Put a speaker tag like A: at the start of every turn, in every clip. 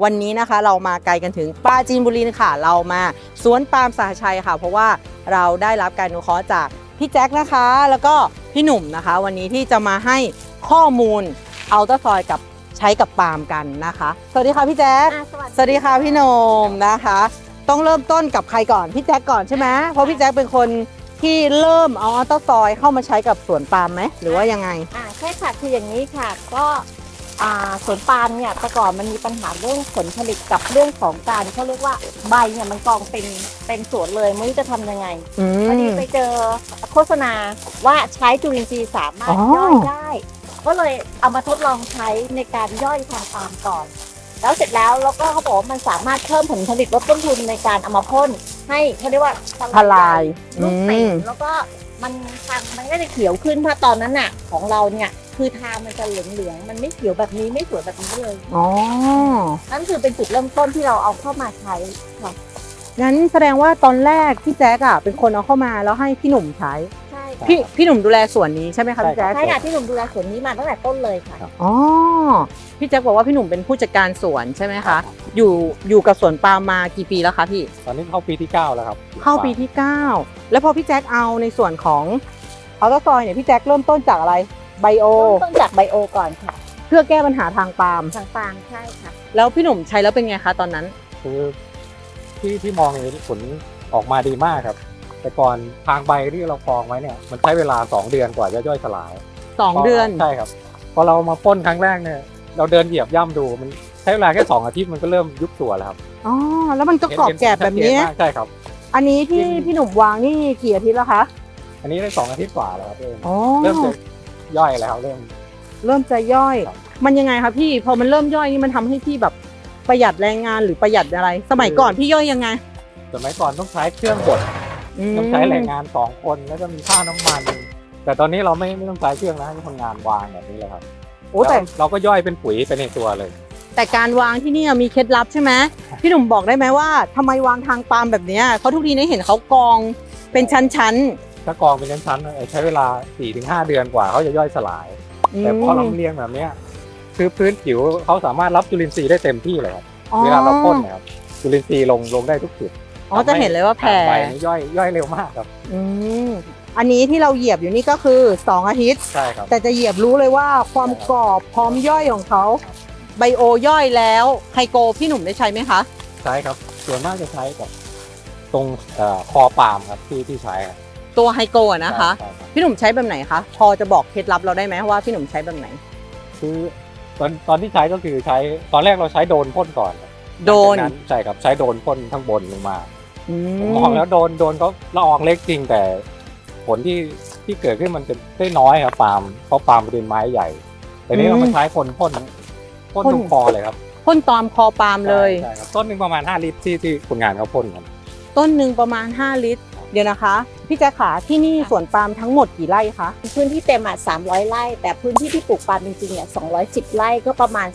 A: วันนี้นะคะเรามาไกลกันถึงปราจีนบุรีค่ะเรามาสวนปาล์มสหชัยค่ะเพราะว่าเราได้รับการอนุเคราะห์จากพี่แจ็คนะคะแล้วก็พี่หนุ่มนะคะวันนี้ที่จะมาให้ข้อมูลอัลตราซอยกับใช้กับปาล์มกันนะคะสวัสดีค่ะพี่แจ็คสวัสดีค่ะพี่หนุ่มนะคะต้องเริ่มต้นกับใครก่อนพี่แจ็คก่อนใช่ไหมเพราะพี่แจ็คเป็นคนที่เริ่มเอาอัลตราซอยเข้ามาใช้กับสวนปาล์มไหมหรือว่ายังไง
B: ใช่ค่ะคืออย่างนี้ค่ะก็สวนปาล์มเนี่ยแต่ก่อนมันมีปัญหาเรื่องผลผลิตกับเรื่องของการเขาเรียกว่าใบเนี่ยมันกองเป็นสวนเลยไม่รู้จะทำยังไงพอดีไปเจอโฆษณาว่าใช้จุลินทรีย์สามารถย่อยได้ก็เลยเอามาทดลองใช้ในการย่อยทางปาล์มก่อนแล้วเสร็จแล้วก็เขาบอกว่ามันสามารถเพิ่มผลผลิตลดต้นทุนในการเอามาพ่นให้เขาเรียกว่า
A: ทลาย
B: ลูกเต่งแล้วก็มันก็จะเขียวขึ้นเพราะตอนนั้นน่ะของเราเนี่ยคือทางมันจะเหลืองๆมันไม่เขียวแบบนี้ไม่สวยแบบนี้เลยนั่นคือเป็นจุดเริ่มต้นที่เราเอาเข้ามาใช้ค่ะ
A: งั้นแสดงว่าตอนแรกพี่แจ๊กเป็นคนเอาเข้ามาแล้วให้พี่หนุ่มใช้
B: ใช่
A: พี่หนุ่มดูแลสวนนี้ใช่ไหมคะพี่แจ๊ก
B: ใช่ค่ะพี่หนุ่มดูแลสวนนี้มาตั้งแต่ต้นเลยค่ะ
A: พี่แจ๊กบอกว่าพี่หนุ่มเป็นผู้จัดการสวนใช่ไหมคะอยู่กับสวนปาล์มมากี่ปีแล้วคะพี่
C: ตอนนี้เข้าปีที่9แล้วครับ
A: เข้าปีที่9แล้วพอพี่แจ๊กเอาในส่วนของอัลตราซอยเนี่ยพี่แจ๊กเริ่มต้นจากอะไรไบโอ
B: ต้นจากไบโอก่อนค่ะ
A: เพื่อแก้ปัญหาทางปาล์ม
B: ใช่ค่ะ
A: แล้วพี่หนุ่มใช้แล้วเป็นไงคะตอนนั้น
C: คือที่มองเห็นผลออกมาดีมากครับแต่ก่อนทางใบที่เรากองไว้เนี่ยมันใช้เวลา2 เดือนกว่าจะย่อยสลาย
A: 2 เดือน
C: ใช่ครับพอเรามาพ่นครั้งแรกเนี่ยเราเดินเหยียบย่ำดูมันใช้เวลาแค่2 อาทิตย์มันก็เริ่มยุบตัวแล้วครับ
A: แล้วมันก็กรอบแกบแบบนี้
C: ใช่ครับ
A: อันนี้ที่พี่หนุ่มวางนี่กี่อาทิตย์แล้วคะ
C: อันนี้ได้2 อาทิตย์กว่าแล้วครับเริ่มจะย่อยแล้วเริ่ม
A: จะย่อยมันยังไงคะพี่พอมันเริ่มย่อยนี่มันทำให้พี่แบบประหยัดแรงงานหรือประหยัดอะไรสมัยก่อนพี่ย่อยยังไง
C: สมัยก่อนต้องใช้เครื่องบดต้องใช้แรงงาน2 คนแล้วก็มีค่าน้ำมันแต่ตอนนี้เราไม่ต้องใช้เครื่องนะให้คนงานวางแบบนี้เลยครับแต่เราก็ย่อยเป็นปุ๋ยไปในตัวเลย
A: แต่การวางที่นี่มีเคล็ดลับใช่ไหมพี่หนุ่มบอกได้ไหมว่าทำไมวางทางปาล์มแบบนี้เพราะทุกทีนี้เห็นเขากองเป็นชั้น
C: ถ้ากองเป็นชั้นๆใช้เวลา 4-5 เดือนกว่าเขาจะย่อยสลายแต่พอเราเรียงแบบนี้คือพื้นผิวเขาสามารถรับจุลินทรีย์ได้เต็มที่เลยครับเวลาเราพ่นนะครับจุลินทรีย์ลงได้ทุกจุด
A: จะเห็นเลยว่าแผ่
C: ใบนี้ย่อยเร็วมากครับ
A: อันนี้ที่เราเหยียบอยู่นี่ก็คือ2 อาทิตย์
C: ใช่ครับ
A: แต่จะเหยียบรู้เลยว่าความกรอบพร้อมย่อยของเขาไบโอย่อยแล้วไฮโกพี่หนุ่มได้ใช้ไหมคะ
C: ใช้ครับส่วนมากจะใช้กับตรงคอปาล์มครับที่ใช้
A: ตัวไฮโกนะคะพี่หนุ่มใช้แบบไหนคะพอจะบอกเคล็ดลับเราได้ไหมว่าพี่หนุ่มใช้แบบไหน
C: คือตอนที่ใช้ก็คือใช้ตอนแรกเราใช้โดนพ่นก่อน
A: โดน
C: ใช่ครับใช้โดนพ่นข้างบนลงมาผมมองแล้วโดนเขาละอองเล็กจริงแต่ผลที่เกิดขึ้นมันจะได้น้อยครับปาล์มเพราะปาล์มเป็นไม้ใหญ่แต่นี้เรามาใช้พ่นตรงคอเลยครับ
A: พ่นตามคอปาล์มเลย
C: ใช่ครับต้นหนึ่งประมาณ5 ลิตรที่คนงานเขาพ่นกัน
A: ต้นหนึ่งประมาณ5 ลิตรเดี๋ยวนะคะพี่แจ๊คขาที่นี่สวนปาล์มทั้งหมดกี่ไร่คะ
B: พื้นที่เต็ม300 ไร่แต่พื้นที่ที่ปลูกปาล์มจริงๆเนี่ย210 ไร่ก็ประมาณ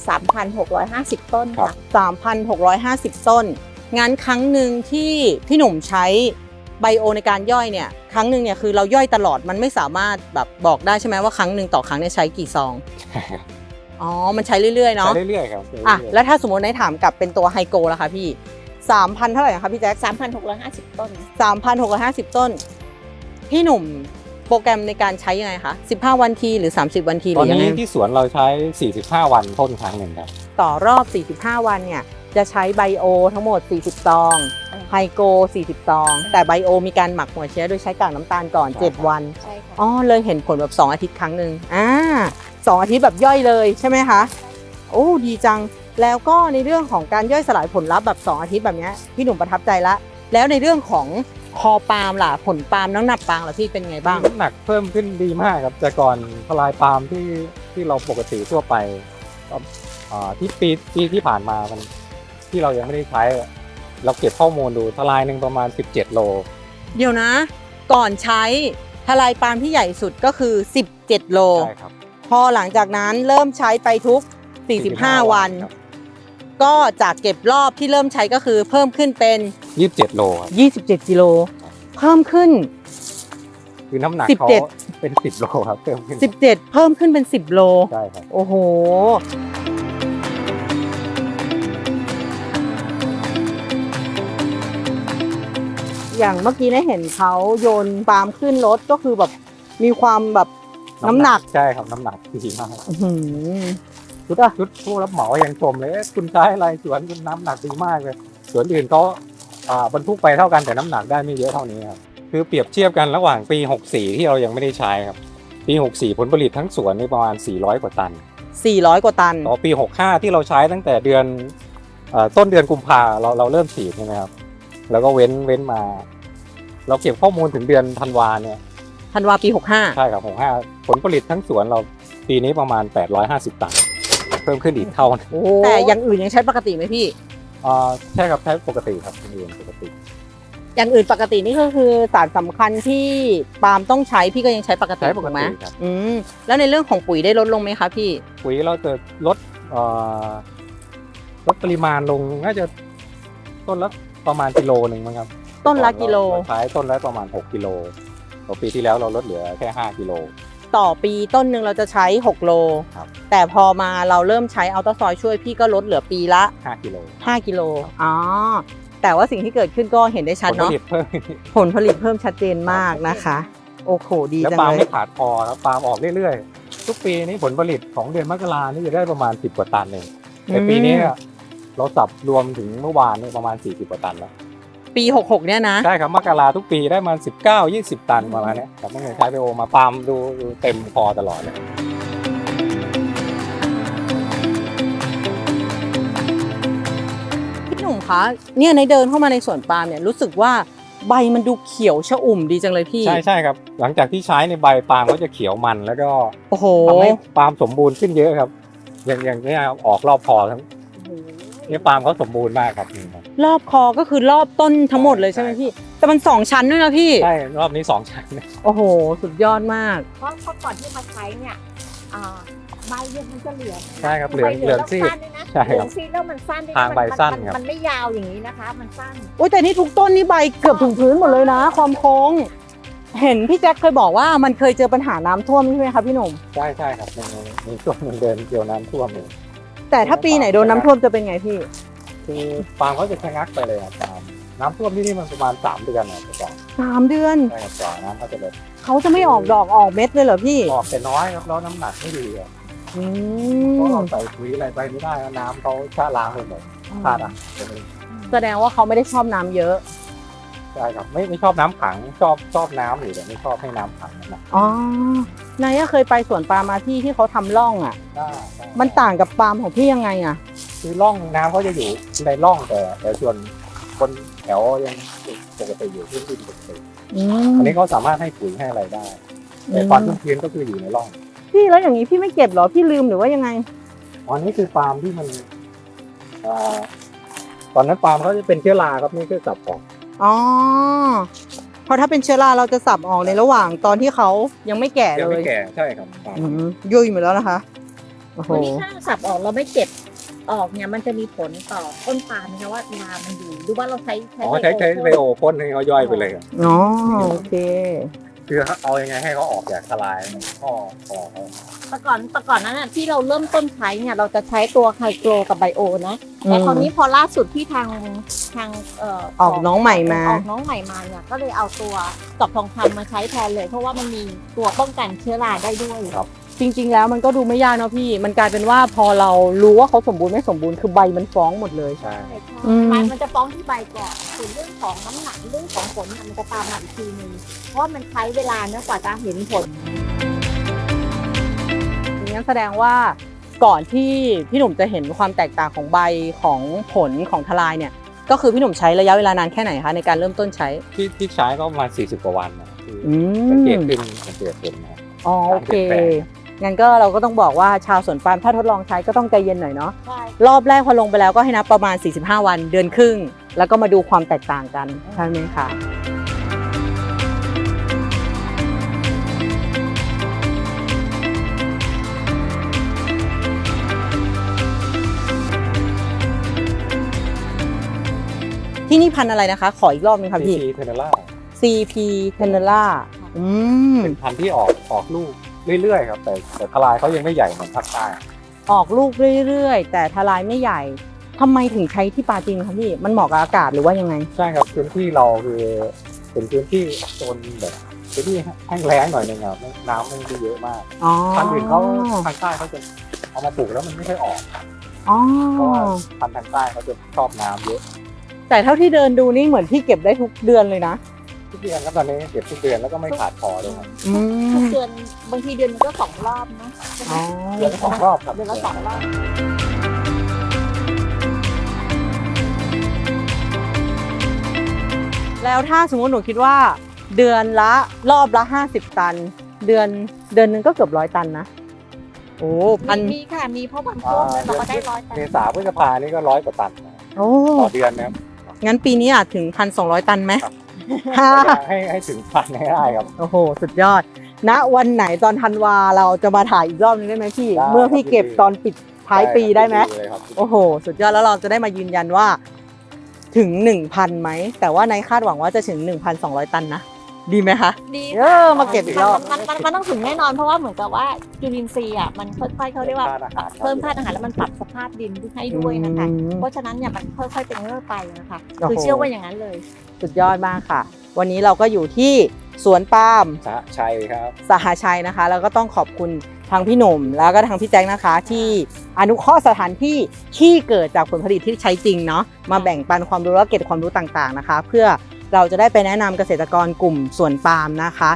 B: 3,650 ต้นค่ะ
A: 3,650 ต้นงั้นครั้งหนึ่งที่พี่หนุ่มใช้ไบโอในการย่อยเนี่ยครั้งหนึ่งเนี่ยคือเราย่อยตลอดมันไม่สามารถแบบบอกได้ใช่ไหมว่าครั้งหนึ่งต่อครั้งเนี่ยใช้กี่ซองมันใช้เรื่อยๆเนาะ
C: ใช้เรื่อยๆครับ
A: แล้วถ้าสมมติในถามกับเป็นตัวไฮโกล่ะคะพี่3,000เท่าไหร่นะคะพี่แจ๊ค
B: 3,650 ต้น
A: 3,650 ต้นพี่หนุ่มโปรแกรมในการใช้ยังไงคะ15 วันทีหรือ30 วันทีหรือยังไง
C: ตอนนี้ที่สวนเราใช้45 วันพ่นครั้งหนึ่งครับ
A: ต่อรอบ45 วันเนี่ยจะใช้ไบโอทั้งหมด40 ซองไฮโก40 ซองแต่ไบโอมีการหมักหัวเชื้อโดยใช้กากน้ำตาลก่อน7 วัน
B: ใช่ค่ะ
A: เลยเห็นผลแบบ2 อาทิตย์ครั้งหนึ่ง2 อาทิตย์แบบย่อยเลยใช่ไหมคะโอ้ดีจังแล้วก็ในเรื่องของการย่อยสลายผลลัพธ์แบบ2 อาทิตย์แบบนี้พี่หนุ่มประทับใจละแล้วในเรื่องของคอปาล์มล่ะผลปาล์มน้ำหนักปาล์มล่ะพี่เป็นไงบ้าง
C: น้ำหนักเพิ่มขึ้นดีมากครับแต่ก่อนทลายปาล์มที่เราปกติทั่วไปที่ปีที่ผ่านมามันที่เรายังไม่ได้ใช้เราเก็บข้อมูลดูทลายหนึ่งประมาณ17 โล
A: เดี๋ยวนะก่อนใช้ทลายปาล์มที่ใหญ่สุดก็คือ17 โล
C: ใช่ครับ
A: พอหลังจากนั้นเริ่มใช้ไปทุก45 วันก็จากเก็บรอบที่เริ่มใช้ก็คือเพิ่มขึ้นเป็น
C: 27 โล
A: 27 กิโลเพิ่มขึ้น
C: คือน้ำหนักเขาเป็น10 โลครับเพิ่มขึ้น
A: 17เพิ่มขึ้นเป็น10 โล
C: ใช่ครับ
A: โอ้โหอย่างเมื่อกี้ได้เห็นเขาโยนปาล์มขึ้นรถก็คือแบบมีความแบบน้ำหนัก
C: ใช่ครับน้ำหนักดีมาก
A: อื้อหือ
C: ชุดผู้รับเหมายังชมเลยคุณใช้อะไรสวนคุณน้ำหนักดีมากเลยสวนอื่นเขาบรรทุกไปเท่ากันแต่น้ำหนักได้ไม่เยอะเท่านี้ครับคือเปรียบเทียบกันระหว่างปี 64 ที่เรายังไม่ได้ใช้ครับปี 64 ผลผลิตทั้งสวนนี่ประมาณ 400 กว่าตัน
A: 400 กว่าตัน
C: ต่อปี 65 ที่เราใช้ตั้งแต่เดือนต้นเดือนกุมภาเราเริ่มฉีดใช่ไหมครับแล้วก็เว้นมา เราเก็บข้อมูลถึงเดือนธันวาเนี่ย
A: ธันวาปี
C: ใช่ครับ65ผลผลิตทั้งสวนเราปีนี้ประมาณ 850 ตันเพิ่มขึ้นอีกเท่านะ
A: 65แต่อย่างอื่นยังใช้ปกติไหมพี่
C: ใช่ครับใช้ปกติครับเรียนปกติ
A: อย่างอื่นปกตินี่ก็คือสารสำคัญที่ปาล์มต้องใช้พี่ก็ยังใช้ปกติ
C: ใช้ปก
A: ถูกไหม
C: ติครับ
A: แล้วในเรื่องของปุ๋ยได้ลดลงไหมคะพี่
C: ปุ๋ยเราจะลดปริมาณลงน่าจะต้นละประมาณกิโลหนึ่งมั้งครับ
A: ต้นละกิโล
C: เราใช้ต้นละประมาณ6กิโลต่อปีที่แล้วเราลดเหลือแค่5กิโล
A: ต่อปีต้นหนึ่งเราจะใช้6โล
C: ครับ
A: แต่พอมาเราเริ่มใช้อัลตราซอยช่วยพี่ก็ลดเหลือปีละ
C: 5กิโล
A: 5 กิโลอ๋อแต่ว่าสิ่งที่เกิดขึ้นก็เห็นได้ชัด
C: ผลผ
A: เนาะ
C: ลิตเพิ่ม
A: ผลผลิตเพิ่มชัดเจนมากนะคะ โอ้โหดี
C: แล้ว
A: จัง
C: ปาล์ม
A: เลย
C: ไม่ขาดพอครับปาล์มออกเรื่อยๆทุกปีนี้ผลผลิตของเดือนมกรานี่จะได้ประมาณ10กว่าตันเองแต่ปีนี้เราสับรวมถึงเมื่อวานนี่ประมาณ40กว่าตันแล้ว
A: ปี 66เนี่ยนะ
C: ใช่ครับมกราทุกปีได้มา19-20 ตันประมาณนี้ครับตั้งแต่ใช้ไปโอมาปาล์มดูเต็มพอตลอดเลย
A: พี่หนุ่มคะเนี่ยในเดินเข้ามาในสวนปาล์มเนี่ยรู้สึกว่าใบมันดูเขียวชอุ่มดีจังเลยพี่
C: ใช่ครับ หลังจากที่ใช้ในใบปาล์มก็จะเขียวมันแล้วก็
A: โอ้โห
C: ทำให้ปาล์มสมบูรณ์ขึ้นเยอะครับ อย่างนี้ครับออกรอบคอทั้งเนี่ยปาล์มเขาสมบูรณ์มากครับนี่ครับ
A: รอบคอก็คือรอบต้นทั้งหมดเลยใช่ไหมพี่ แต่มัน2ชั้นด้วยนะพี่
C: ใช่รอบนี้2ชั้น
A: โอ้โห สุดยอดมาก
B: เพราะก่อนที่มาใช้เนี่ยใบเนี่ยมันจะเหลือง
C: ใช่ครับเหลือง
B: ใบ
C: เหลืองซีด
B: แล้วสั้นด้วยนะ
C: ใช่ครับ
B: เหลืองซีดแล้วมันสั้นด้วยนะ
C: ทางใบสั้นครับ
B: มันไม่ยาวอย่างนี้นะคะ มันสั้น
A: โอ้ยแต่นี่ทุกต้นนี่ใบเกือบถึงพื้นหมดเลยนะ ความโค้ง เห็นพี่แจ็คเคยบอกว่ามันเคยเจอปัญหาน้ำท่วมใช่ไหมคะพี่หนุ่ม
C: ใช่ครับมีช่วงหนึ่งเดินเกี่ยวน้ำท่วมเลย
A: แต่ถ้าปีไหนโดนน้ำท่วมจะเป็นไงพี่
C: คือปาล์มเขาจะชะงักไปเลยครับปาล์มน้ำท่วมที่นี่มันประมาณ3 เดือนนะก่อน
A: 3 เดือน
C: ใช่ครับก่อนน้ำเขาจะลด
A: เขาจะไม่ออกดอกออกเม็ดเลยเหรอพี่
C: ออกแต่น้อยครับแล้วน้ำหนักไม่ดีครับ
A: อื
C: เพราะ
A: ม
C: เราใส่ปุ๋ยอะไรไปไม่ได้แล้วน้ำเขาชะล้างไปหมดขาดอ่ะ
A: แสดงว่าเขาไม่ได้ชอบน้ำเยอะ
C: ใช่ครับไม่ชอบน้ำขังชอบน้ำอยู่แต่ไม่ชอบให้น้ำขังนะ
A: อ๋อนายเคยไปสวนปาล์มมาที่เขาทำร่องอ่ะ
C: ได้
A: มันต่างกับปาล์มของพี่ยังไงอ่ะ
C: คือร่องน้ำเขาจะอยู่ในร่องแต่ส่วนบนแถวยังปกติอยู่พื้นดินปกติ อันนี้เขาสามารถให้ปุ๋ยให้อะไรได้ แต่ความชุ่มชื้นก็คืออยู่ในร่อง
A: พี่แล้วอย่างนี้พี่ไม่เก็บเหรอพี่ลืมหรือว่ายังไง
C: อันนี้คือปาล์มที่มันตอนนั้นปาล์มเขาจะเป็นเชื้อราครับนี่คือสับออก
A: อ๋อเพราะถ้าเป็นเชื้อราเราจะสับออกในระหว่างตอนที่เขายังไม่แก่
C: ยัง
A: เล
C: ไม่
A: ย
C: แก่ใช่ครับปาล์ม
A: ยุ่ยหมดแล้วนะคะโอ้โห
B: วันนี้ถ้าสับออกเราไม่เก็บออกเนี่ยมันจะมีผลต่อต้นปาล์มนะคะว่ารามันอยู่หรือว่าเราใช้
C: อ๋อใช้ไบโอพ่นให้เขาย่อยไปเลยครับ
A: อ๋อโอเค
C: คือเอายังไงให้เขาออกจากทลายข้อเขา
B: แต่ก่อนนั้นน่ะที่เราเริ่มต้นใช้เนี่ยเราจะใช้ตัวไฮโกรกับไบโอนะแต่คราวนี้พอล่าสุดที่ทาง
A: ออกน้องใหม่มา
B: ออกน้องใหม่มาเนี่ยก็เลยเอาตัวดอกทองคำมาใช้แทนเลย เพราะว่ามันมีตัวป้องกันเชื้อราได้ด้วย
A: จริงๆแล้วมันก็ดูไม่ยากเนาะพี่ มันกลายเป็นว่าพอเรารู้ว่าเขาสมบูรณ์ไม่สมบูรณ์คือใบมันฟ้องหมดเลย
C: ใช่
B: มันจะฟ้องที่ใบก่อนส่วนเรื่องของน้ำหนักเรื่องของผลมันจะตามมาอีกทีนึงเพราะว่ามันใช้เวลาเนื่อกว่าจะเห็นผล
A: งั้นแสดงว่าก่อนที่พี่หนุ่มจะเห็นความแตกต่างของใบของผลของทลายเนี่ย ก็คือพี่หนุ่มใช้ระยะเวลานานแค่ไหนคะในการเริ่มต้นใช้
C: ที่ใช้ก็ประมาณ40 กว่าวันนะคือ
A: อื
C: สังเกต
A: ม
C: ขึ้นสังเกตเห็นนะครับ
A: อ๋อโอเค งั้นก็เราก็ต้องบอกว่าชาวสวนปาล์มถ้าทดลองใช้ก็ต้องใจเย็นหน่อยเนาะ
B: ใช่
A: รอบแรกพอลงไปแล้วก็ให้นับประมาณ 45 วันเดือนครึ่ง แล้วก็มาดูความแตกต่างกันใช่ไหมคะที่นี่พันธุ์อะไรนะคะ ขออีกรอบนึงค่ะพี่
C: CP เทเนล่า
A: CP t e n e r a
C: เป็นพันธุ์ที่ออกลูกเรื่อยๆครับแต่ทลายเขายังไม่ใหญ่เหมือนภาคใต้
A: ออกลูกเรื่อยๆ แต่ทลายไม่ใหญ่ทำไมถึงใช้ที่ปาจีนคะพี่ มันเหมาะกับอากาศหรือว่ายังไง
C: ใช่ครับพื้นที่เราคือเป็นพื้นที่โซนแบบพื้นที่แห้งแล้งหน่อยนึงครับน้ำไม่ได้เยอะมาก
A: อ๋อ
C: พันธุ์อื่นเขาทางใต้เขาจะเอามาปลูกแล้วมันไม่ค่อยออก
A: อ๋อ
C: เพราะว่าพันธุ์ทางใต้เขาจะชอบน้ำเยอะ
A: แต่เท่าที่เดินดูนี่เหมือนพี่เก็บได้ทุกเดือนเลยนะ
C: ทุกเดือนครับตอนนี้เก็บทุกเดือนแล้วก็ไม่ขาดพอเลยครับ
A: อื
B: ทุก
A: ม
B: เดือนบางทีเดือนนึงก็2 รอบนะ
A: อ๋อ
C: เดือนละ2 รอบครับ
B: เดือนละ2 รอบ
A: แล้วถ้าสมมติหนูคิดว่า เดือนละรอบละ50 ตัน เดือนหนึงก็เกือบ100 ตันนะ โอ้พัน
B: มีค่ะมีเพราะบางช่วงเราก็ได้100 ตัน
C: เมษาพฤษภานี่ก็100 กว่าตันนะ
A: โอ้
C: ต่อเดือนนะครับ
A: งั้นปีนี้อาจถึง 1,200 ตันไหม
C: ให้ถึงพันให้ได้ครับ
A: โอ้โห สุดยอด ณ วันไหนตอนธันวาเราจะมาถ่ายอีกรอบนึงได้ไหมพี่
C: ได้
A: เมื่อพี่เก็บตอนปิดท้ายปีได้ไหม
C: เลยครับ
A: โอ้โห สุดยอดแล้วเราจะได้มายืนยันว่าถึง 1,000 ไหม แต่ว่าในคาดหวังว่าจะถึง 1,200 ตันนะ ดีไหมคะ
B: ดี
A: มาเก็บอีกรอบ
B: มันต้องถึงแน่นอนเพราะว่าเหมือนกับว่าจุลินทรีย์อ่ะมันค่อยๆเขาเรียกว่าเพิ่มธาตุอาหารแล้วมันปรับสภาพดินให้ด้วยนะคะ เพราะฉะนั้นเนี่ยมันค่อยๆเป็นเรื่อยไปนะคะ
A: โอ้โห
B: คือเชื่อว่าอย่างนั้นเลย
A: สุดยอดมากค่ะ วันนี้เราก็อยู่ที่สวนปาล์ม
C: สหชัยครับ
A: สหชัยนะคะ แล้วก็ต้องขอบคุณทางพี่หนุ่มแล้วก็ทางพี่แจ็คนะคะ ที่อนุเคราะห์สถานที่ที่เกิดจากผลผลิตที่ใช้จริงเนาะมาแบ่งปันความรู้และเก็บความรู้ต่างๆนะคะ เพื่อเราจะได้ไปแนะนำเกษตรกรกลุ่มสวนปาล์มนะคะ